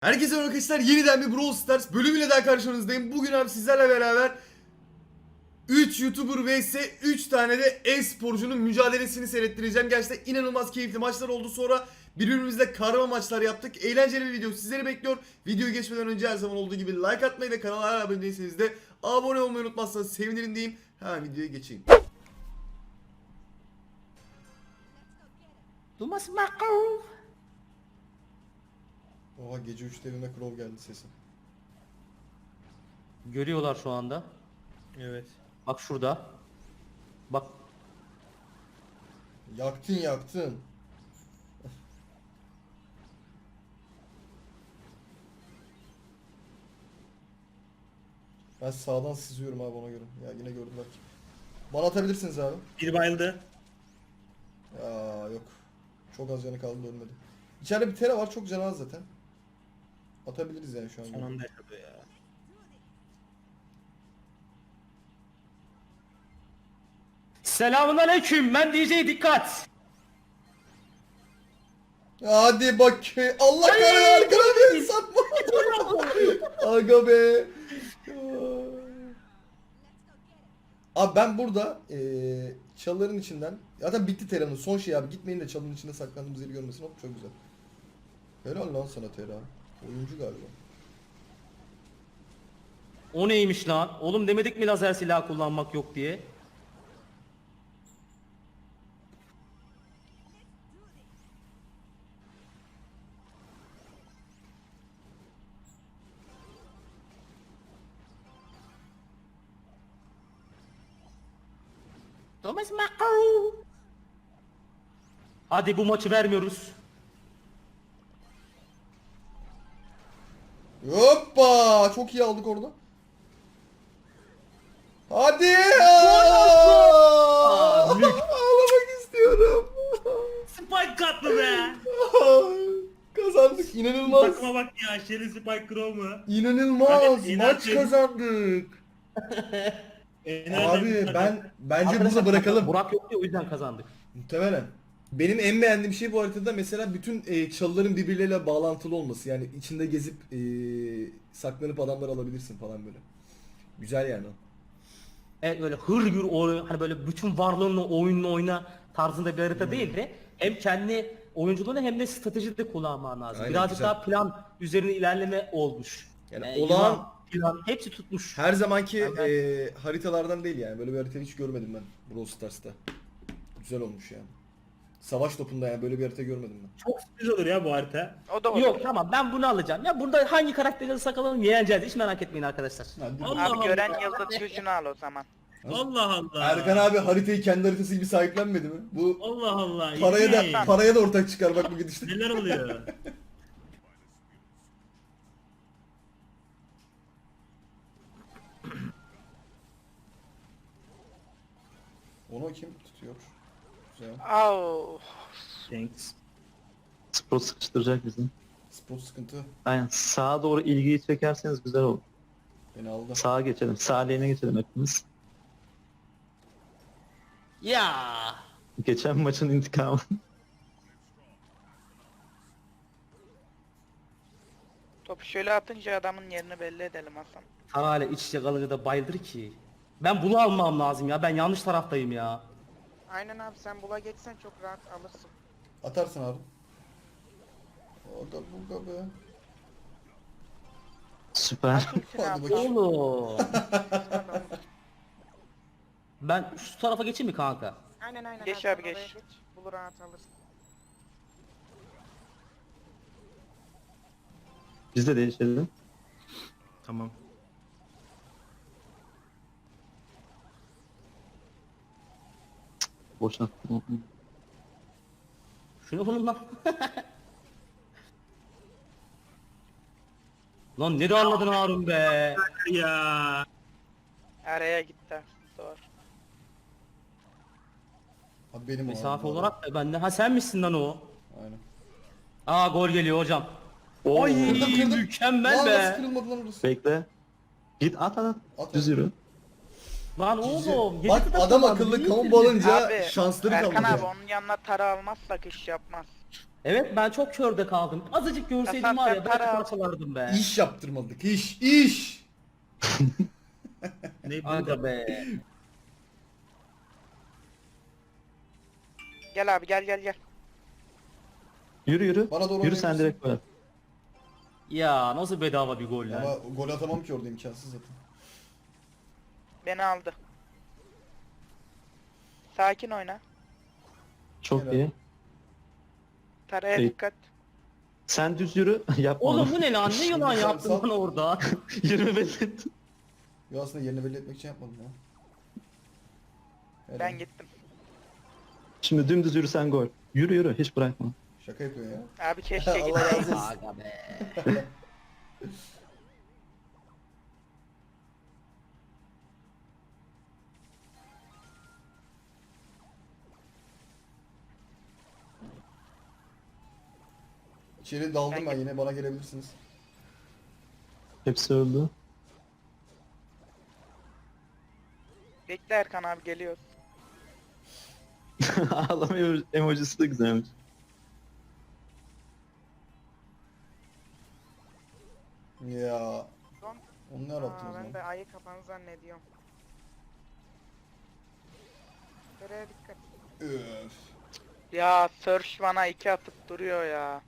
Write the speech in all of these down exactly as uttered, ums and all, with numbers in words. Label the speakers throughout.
Speaker 1: Herkese merhaba arkadaşlar, yeniden bir Brawl Stars bölümüyle daha karşınızdayım. Bugün abi sizlerle beraber üç YouTuber vs üç tane de e-sporcunun mücadelesini seyrettireceğim. Gerçekten inanılmaz keyifli maçlar oldu. Sonra birbirimizle karma maçlar yaptık. Eğlenceli bir video sizleri bekliyor. Videoyu geçmeden önce her zaman olduğu gibi like atmayı ve kanala hala abone değilseniz de abone olmayı unutmazsanız sevinirim diyeyim. Hemen videoya geçeyim.
Speaker 2: Dumas Makov.
Speaker 1: Oha, gece üçte evime Crow geldi sesim.
Speaker 2: Görüyorlar şu anda.
Speaker 3: Evet.
Speaker 2: Bak şurada. Bak.
Speaker 1: Yaktın yaktın. Ben sağdan sızıyorum abi, ona göre. Ya yine gördüler ki. Bana atabilirsiniz abi.
Speaker 3: Bir bayıldı.
Speaker 1: Ya yok. Çok az canı kaldı, ölmedi. İçeride bir tera var, çok canı az zaten. Atabiliriz yani şu an.
Speaker 3: Son anda yaşadı ya.
Speaker 2: Selamun aleyküm. Ben D J dikkat.
Speaker 1: Hadi bak. Allah kahretsin, arkana bir satma. Aga be. Abi ben burada eee çalıların içinden, zaten bitti Tera'nın son şey abi, gitmeyin de çalının içinde saklandığımız yeri görmesin. Hop, çok güzel. Helal lan sana Tera. Oyuncu galiba.
Speaker 2: O neymiş lan? Oğlum demedik mi lazer silah kullanmak yok diye? Dumas Makov. Hadi bu maçı vermiyoruz.
Speaker 1: Hoppa! Çok iyi aldık orada. Hadi!
Speaker 2: Aa, mük.
Speaker 1: Ağlamak istiyorum.
Speaker 3: Spike katlı be.
Speaker 1: Kazandık. İnanılmaz.
Speaker 3: Bakma bak ya, Shelly Spike Crow mu?
Speaker 1: İnanılmaz.
Speaker 3: Hadi,
Speaker 1: Maç
Speaker 3: inançım.
Speaker 1: kazandık. Abi ben bence burada bırakalım.
Speaker 2: Burak yok diye o yüzden kazandık.
Speaker 1: Muhtemelen. Benim en beğendiğim şey bu haritada mesela bütün e, çalıların birbirleriyle bağlantılı olması. Yani içinde gezip e, saklanıp adamlar alabilirsin falan böyle. Güzel yani.
Speaker 2: Evet, böyle hır gür oyun, hani böyle bütün varlığınla oyununu oyna tarzında bir harita değil de hem kendi oyunculuğunu hem de strateji de kullanman lazım.
Speaker 1: Aynen,
Speaker 2: Birazcık
Speaker 1: güzel.
Speaker 2: daha plan üzerine ilerleme olmuş.
Speaker 1: Yani
Speaker 2: Ee,
Speaker 1: olağan-
Speaker 2: yılan, plan hepsi tutmuş.
Speaker 1: Her zamanki
Speaker 2: Ben-
Speaker 1: e, haritalardan değil yani. Böyle bir harita hiç görmedim ben Brawl Stars'ta. Güzel olmuş yani. Savaş topunda yani böyle bir harita görmedim ben.
Speaker 3: çok sürpriz olur ya bu harita.
Speaker 4: O da olur.
Speaker 2: Yok tamam, ben bunu alacağım. Ya burada hangi karakteri alırsak alalım yeneceğiz, hiç merak etmeyin arkadaşlar.
Speaker 1: Hadi.
Speaker 3: Allah
Speaker 4: Abi
Speaker 3: Allah.
Speaker 4: gören yıldız gücünü al o zaman.
Speaker 3: Allah Allah.
Speaker 1: Erkan abi haritayı kendi haritası gibi sahiplenmedi mi? Bu
Speaker 3: Allah Allah.
Speaker 1: paraya
Speaker 3: ilginç.
Speaker 1: da paraya da ortak çıkar bak bu gidişte.
Speaker 3: Neler oluyor?
Speaker 1: Onu kim tutuyor? Güzel.
Speaker 4: Au.
Speaker 3: Thanks.
Speaker 5: Spot sıkıştıracak bizi.
Speaker 1: Spot sıkıntı.
Speaker 5: Aynen, sağa doğru ilgiyi çekerseniz güzel olur.
Speaker 1: Beni aldı.
Speaker 5: Sağa geçelim, sağ lane'e geçelim hepimiz.
Speaker 2: Ya
Speaker 5: Geçen maçın intikamı.
Speaker 4: Topu şöyle atınca adamın yerini belli edelim Hasan.
Speaker 2: Tarayla iç içe kalınca da bayıldır ki. Ben bunu almam lazım ya, ben yanlış taraftayım ya.
Speaker 4: Aynen abi, sen bula geçsen çok rahat alırsın.
Speaker 1: Atarsın abi. O da burada be.
Speaker 5: Süper.
Speaker 4: Kimsin
Speaker 1: Hadi
Speaker 4: abi?
Speaker 1: bakayım.
Speaker 2: Oğlum.
Speaker 4: Tamam.
Speaker 2: Ben şu tarafa geçeyim mi kanka?
Speaker 4: Aynen aynen. Geç abi geç. geç. Bulu rahat alırsın.
Speaker 5: Biz de değişelim.
Speaker 3: Tamam.
Speaker 5: Boşuna.
Speaker 2: Şunu vurun lan. Lan nereye anladın Harun be?
Speaker 3: Ya.
Speaker 4: Araya gitti. Doğru.
Speaker 1: Abi benim o
Speaker 2: Mesafe
Speaker 1: abi, bu
Speaker 2: olarak da bende. Ha sen misin lan o?
Speaker 1: arada. Aynen.
Speaker 2: Aa gol geliyor hocam.
Speaker 5: Oo.
Speaker 2: Ay
Speaker 1: Kırdım, kırdım.
Speaker 2: mükemmel
Speaker 1: Lan
Speaker 2: be.
Speaker 1: nasıl kırılmadı lan orası?
Speaker 5: Bekle. Git at at.
Speaker 1: At,
Speaker 5: Düz
Speaker 1: at.
Speaker 5: yürü.
Speaker 2: Lan oğlum. yedi
Speaker 1: Bak
Speaker 2: kıta
Speaker 1: adam
Speaker 2: kullandı,
Speaker 1: akıllı
Speaker 2: değil
Speaker 1: kamu
Speaker 2: mi?
Speaker 1: balınca
Speaker 4: Abi
Speaker 1: şansları
Speaker 4: Erkan
Speaker 1: kalmadı.
Speaker 4: abi onun yanına tara almazsak iş yapmaz.
Speaker 2: Evet ben çok körde kaldım. Azıcık görseydim
Speaker 4: Hasan,
Speaker 2: var ya
Speaker 4: sen
Speaker 2: belki
Speaker 4: para al.
Speaker 2: parçalardım be.
Speaker 1: İş yaptırmadık. İş. İş.
Speaker 3: Ne
Speaker 2: Aga
Speaker 3: burada?
Speaker 2: be.
Speaker 4: Gel abi gel gel gel.
Speaker 5: Yürü yürü.
Speaker 1: Bana doğru
Speaker 5: Yürü sen
Speaker 1: oynayabilirsin.
Speaker 5: direkt koy.
Speaker 2: Ya nasıl bedava bir gol lan.
Speaker 1: Ama gol atamam ki orada, imkansız zaten.
Speaker 4: Beni aldı. Sakin oyna.
Speaker 5: Çok
Speaker 1: Helal.
Speaker 5: iyi.
Speaker 4: Taraya
Speaker 5: İyi.
Speaker 4: dikkat.
Speaker 5: Sen düz yürü. Yapma
Speaker 2: Oğlum
Speaker 5: onu.
Speaker 2: bu ne lan? Ne yılan
Speaker 1: Sal,
Speaker 2: yaptın
Speaker 1: sal.
Speaker 2: lan orada?
Speaker 5: Yürüme belli et.
Speaker 1: Yo, aslında yerini belli etmek için yapmadım ya. Helal.
Speaker 4: Ben gittim.
Speaker 5: Şimdi dümdüz yürüsen gol. Yürü yürü hiç bırakma.
Speaker 1: Şaka yapıyor ya.
Speaker 4: Abi keşke
Speaker 1: Allah
Speaker 4: gitmeyeydim.
Speaker 1: razı olsun.
Speaker 2: Aga be.
Speaker 1: İçeri daldım
Speaker 4: Ben
Speaker 1: ben,
Speaker 4: git-
Speaker 1: yine bana gelebilirsiniz.
Speaker 5: Hepsi öldü.
Speaker 4: Bekle Erkan abi geliyor.
Speaker 5: Ağlama emo- emojisi de güzelmiş.
Speaker 1: Ya.
Speaker 4: Son.
Speaker 1: Onu ne
Speaker 4: Aa,
Speaker 1: arattınız
Speaker 4: ben
Speaker 1: lan?
Speaker 4: de ayı kapanı zannediyorum. Taraya dikkat.
Speaker 1: Öf.
Speaker 4: Ya Search bana iki atıp duruyor ya.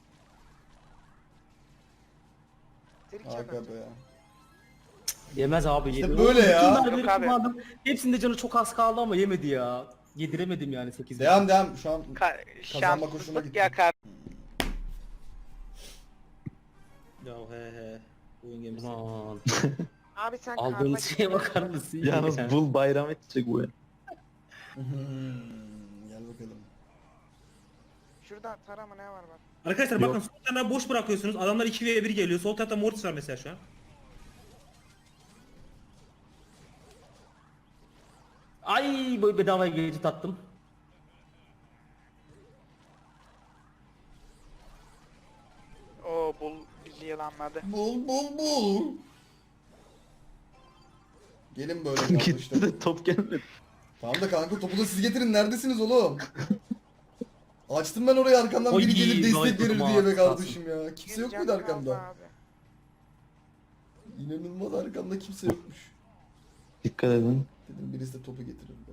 Speaker 4: Trick
Speaker 1: Aga
Speaker 4: atacak.
Speaker 1: be.
Speaker 2: Yemez abi
Speaker 1: İşte
Speaker 2: yedi.
Speaker 1: böyle
Speaker 2: Oğlum,
Speaker 1: ya.
Speaker 2: bütün darbeleri
Speaker 4: Yok abi.
Speaker 2: kullandım. Hepsinde canı çok az kaldı ama yemedi ya. Yediremedim yani sekiz.
Speaker 1: Devam devam, şu an
Speaker 4: Ka
Speaker 1: Kazanma koşuluna
Speaker 4: şanssızlık
Speaker 1: gitti.
Speaker 4: ya kar.
Speaker 3: Ya he he. Oyun gemisi.
Speaker 2: Aman.
Speaker 4: Abi sen
Speaker 2: Aldığınız şeye bakar mısın?
Speaker 5: Yalnız
Speaker 2: Yani.
Speaker 5: bul bayram edecek bu ya.
Speaker 1: Hmm, gel bakalım.
Speaker 4: Şurada tarama ne var bak.
Speaker 3: Arkadaşlar
Speaker 5: Yok.
Speaker 3: bakın sol taraftan boş bırakıyorsunuz. Adamlar iki ve bir geliyor. Sol tarafta Mortis var mesela şu an.
Speaker 2: Ay böyle bedavaya gecit attım.
Speaker 4: Oo bul bizi yılanladı.
Speaker 1: Bul bul bul. Gelin böyle
Speaker 5: Gitti
Speaker 1: yanlışlar.
Speaker 5: de top gelmedi.
Speaker 1: Tamam da kanka, topu da siz getirin, neredesiniz oğlum? Açtım ben orayı, arkamdan biri
Speaker 2: Oy,
Speaker 1: gelir destek
Speaker 2: gayet
Speaker 1: verir
Speaker 2: durma,
Speaker 1: diye be
Speaker 2: sağ
Speaker 1: kardeşim ya. Kimse yok muydu
Speaker 4: Geleceğim
Speaker 1: arkamda?
Speaker 4: abi.
Speaker 1: İnanılmaz, arkamda kimse yokmuş.
Speaker 5: Dikkat edin.
Speaker 1: Dedim birisi de topu getirir be.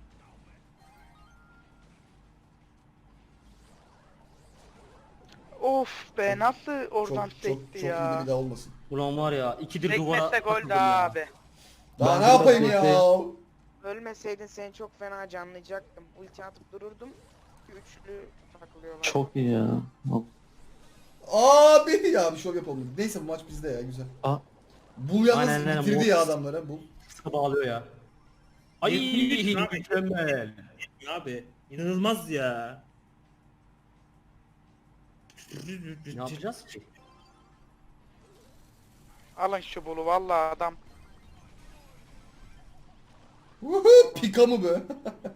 Speaker 4: Of be nasıl oradan
Speaker 1: Çok çok
Speaker 4: sekti
Speaker 1: çok iyi
Speaker 4: ya.
Speaker 1: de bir daha olmasın.
Speaker 2: Ulan var ya ikidir duvara
Speaker 4: Sekmese gol
Speaker 2: takıldım
Speaker 4: daha
Speaker 2: ya.
Speaker 4: abi.
Speaker 1: Daha
Speaker 5: Ben
Speaker 1: ne
Speaker 5: biraz
Speaker 1: yapayım ya?
Speaker 5: bekleyeyim.
Speaker 4: Ölmeseydin seni çok fena canlayacaktım. Ulti atıp dururdum. Üçlü takılıyorlar.
Speaker 5: Çok iyi ya.
Speaker 1: Abi ya, bir şov yapalım. Neyse, bu maç bizde ya, güzel.
Speaker 5: Aa,
Speaker 1: Bul yalnız
Speaker 2: Aynen, aynen,
Speaker 1: bitirdi
Speaker 2: bu-
Speaker 1: ya adamlara. Bul.
Speaker 2: Sıkı bağlıyor ya. Ay
Speaker 3: Yetmiş abi.
Speaker 2: mükemmel.
Speaker 3: Abi inanılmaz ya.
Speaker 2: Ne yapacağız ki?
Speaker 4: Alın şu bulu vallahi adam.
Speaker 1: Vuhu, Pika mı be?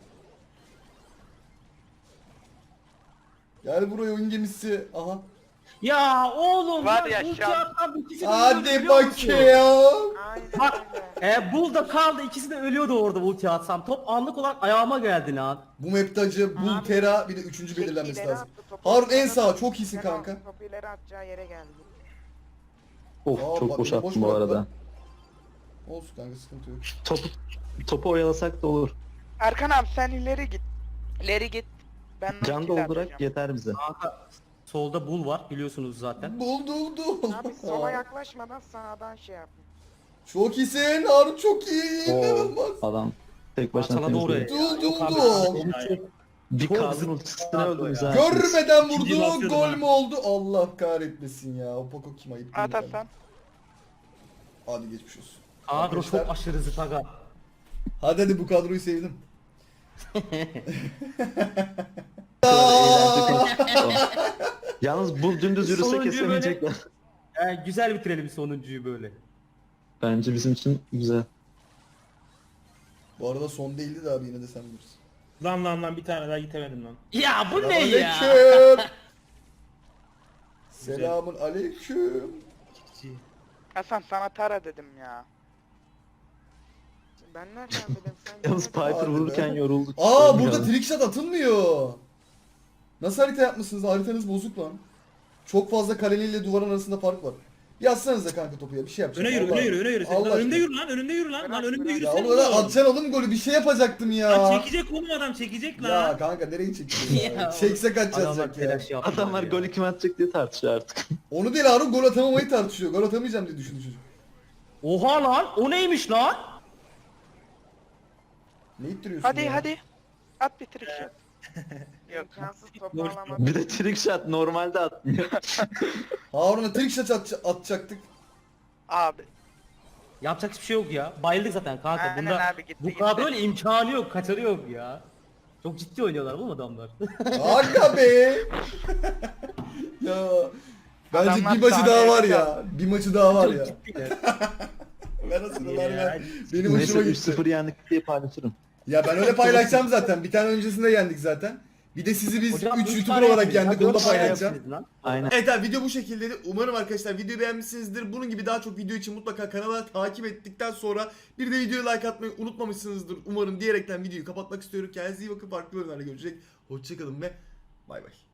Speaker 1: Gel buraya oyun gemisi. Aha.
Speaker 2: Ya oğlum
Speaker 4: Var
Speaker 2: lan,
Speaker 4: ya
Speaker 2: ulti
Speaker 4: şu an-
Speaker 2: atan ikisi de ölüyordu,
Speaker 1: Hadi
Speaker 2: biliyor musun?
Speaker 1: bakayım.
Speaker 4: Aynen
Speaker 2: Bak
Speaker 4: öyle.
Speaker 2: e, bul da kaldı ikisi de ölüyordu orada ulti atsam. Top anlık olarak ayağıma geldi lan.
Speaker 1: Bu map'te acı, Bul,
Speaker 4: Abi,
Speaker 1: Tera, bir de üçüncü belirlenmesi
Speaker 4: ileri
Speaker 1: lazım.
Speaker 4: attı, topu
Speaker 1: Harun en
Speaker 4: ileri
Speaker 1: sağ,
Speaker 4: attı.
Speaker 1: çok iyisin
Speaker 4: Fena,
Speaker 1: kanka.
Speaker 4: Topu ileri atacağı yere geldi.
Speaker 5: of
Speaker 1: Aa,
Speaker 5: çok
Speaker 1: bak,
Speaker 5: boş
Speaker 1: yine boş
Speaker 5: attım bu
Speaker 1: bıraktılar.
Speaker 5: arada.
Speaker 1: Olsun kanka, sıkıntı yok.
Speaker 5: Topu, topu oyalasak da olur.
Speaker 4: Erkan abi sen ileri git. İleri git. Ben
Speaker 5: Can
Speaker 4: ultiyle
Speaker 5: doldurak
Speaker 4: atacağım.
Speaker 5: yeter bize.
Speaker 2: Kanka solda bul var biliyorsunuz zaten.
Speaker 1: Bul bul bul.
Speaker 4: Abi sola yaklaşmadan sağdan şey yap.
Speaker 1: Çok iyisin Harun, çok iyi.
Speaker 5: Oo,
Speaker 1: İnanılmaz.
Speaker 5: adam tek başına
Speaker 2: Parçaladı oraya.
Speaker 5: temizledi.
Speaker 1: Dul,
Speaker 2: Yok
Speaker 1: dul,
Speaker 2: abi,
Speaker 1: dul.
Speaker 2: onu çok-
Speaker 5: Bir
Speaker 2: Çok
Speaker 5: kadın
Speaker 2: zıt-
Speaker 5: ultisine öldünüz
Speaker 2: ya.
Speaker 5: ha.
Speaker 1: Görmeden
Speaker 3: İkinciyi
Speaker 1: vurdu,
Speaker 3: basıyordum
Speaker 1: gol
Speaker 3: ha.
Speaker 1: mü oldu? Allah kahretmesin ya. O Poco kim, ayıp değil
Speaker 4: At
Speaker 1: mi?
Speaker 4: Hasan.
Speaker 1: Hadi geçmiş olsun.
Speaker 2: Kadro
Speaker 1: Arkadaşlar,
Speaker 2: çok aşırı zıt aga.
Speaker 1: Hadi hadi, bu kadroyu sevdim.
Speaker 5: Eğlence konuşuyor. Yalnız bu dümdüz yürüse
Speaker 2: Sonuncuyu
Speaker 5: kesemeyecekler.
Speaker 2: E, güzel bitirelim sonuncuyu böyle.
Speaker 5: Bence bizim için güzel.
Speaker 1: Bu arada son değildi de abi, yine de sen bilirsin.
Speaker 3: Lan lan lan bir tane daha gitemedim lan.
Speaker 2: Ya bu ne ya?
Speaker 1: Aleyküm. Selamun aleyküm.
Speaker 4: Hasan sana tara dedim ya. Ben nereden bileyim sen?
Speaker 5: Yalnız
Speaker 4: demedin.
Speaker 5: Piper
Speaker 1: Hadi be.
Speaker 5: vururken yorulduk.
Speaker 1: Aa,
Speaker 5: Ölmüyor.
Speaker 1: burada trickshot atılmıyor. Nasıl harita yapmışsınız? Haritanız bozuk lan. Çok fazla kaleliyle duvarın arasında fark var. Yazsanıza kanka topu ya, bir şey yapacağım.
Speaker 3: Öne yürü,
Speaker 1: Allah-
Speaker 3: öne yürü, öne yürü. Sen
Speaker 1: Allah
Speaker 3: lan önümde
Speaker 1: aşkına.
Speaker 3: yürü lan, önümde yürü lan. Lan önümde
Speaker 1: Ya
Speaker 3: yürüsene
Speaker 1: oğlum öyle
Speaker 3: oğlum.
Speaker 1: atacaksın oğlum golü, bir şey yapacaktım ya.
Speaker 3: Lan çekecek oğlum adam, çekecek
Speaker 1: Ya
Speaker 3: lan.
Speaker 1: kanka nereye çekiyorsun ya?
Speaker 2: Ya
Speaker 1: Çekse kaç
Speaker 2: Adamlar
Speaker 1: yazacak ya.
Speaker 2: telaş yaptılar
Speaker 5: Adamlar
Speaker 2: ya.
Speaker 5: golü kim atacak diye tartışıyor artık.
Speaker 1: Onu değil Harun, gol atamamayı tartışıyor. Gol atamayacağım diye düşündü çocuk.
Speaker 2: Oha lan o neymiş lan?
Speaker 1: Ne ittiriyorsun
Speaker 6: Hadi
Speaker 1: ya?
Speaker 6: hadi. At bir trick shot.
Speaker 4: İmkansız topu
Speaker 3: Boş-
Speaker 4: alamadım.
Speaker 5: Bir de trick shot normalde atmıyor.
Speaker 1: Harun'a trick shot at- atacaktık.
Speaker 6: Abi.
Speaker 2: Yapacak hiçbir şey yok ya. Bayıldık zaten kanka.
Speaker 6: Aynen
Speaker 2: Bunda
Speaker 6: abi, gitti,
Speaker 2: bu
Speaker 6: gitti.
Speaker 2: kadroyla imkanı yok, kaçarı yok ya. Çok ciddi oynuyorlar oğlum adamlar.
Speaker 1: Aga be. Ya. Bence
Speaker 6: Adamlar
Speaker 1: bir maçı daha
Speaker 6: sahneye
Speaker 1: var ya.
Speaker 6: çıkardı.
Speaker 1: Bir maçı daha var
Speaker 2: Çok
Speaker 1: ya.
Speaker 2: ciddiler.
Speaker 1: Ben nasıl ver
Speaker 2: Ya.
Speaker 1: ver. Benim
Speaker 5: Neyse
Speaker 1: hoşuma
Speaker 5: üç
Speaker 1: gitti.
Speaker 5: sıfır yendik diye paylaşırım.
Speaker 1: Ya ben öyle paylaşacağım zaten. Bir tane öncesinde yendik zaten. Bir de sizi biz
Speaker 2: Hocam,
Speaker 1: üç
Speaker 2: üç
Speaker 1: YouTuber
Speaker 2: tane
Speaker 1: olarak
Speaker 2: yapıyoruz.
Speaker 1: yendik.
Speaker 2: Ya,
Speaker 1: Onu da
Speaker 2: dört tane
Speaker 1: paylaşacağım.
Speaker 2: yapıyoruz lan.
Speaker 5: Aynen.
Speaker 1: Evet abi, video bu şekildeydi. Umarım arkadaşlar videoyu beğenmişsinizdir. Bunun gibi daha çok video için mutlaka kanala takip ettikten sonra bir de videoya like atmayı unutmamışsınızdır. Umarım diyerekten videoyu kapatmak istiyorum. Kendinize iyi bakın. Farklı bölümlerde görüşecek. Hoşçakalın ve bay bay.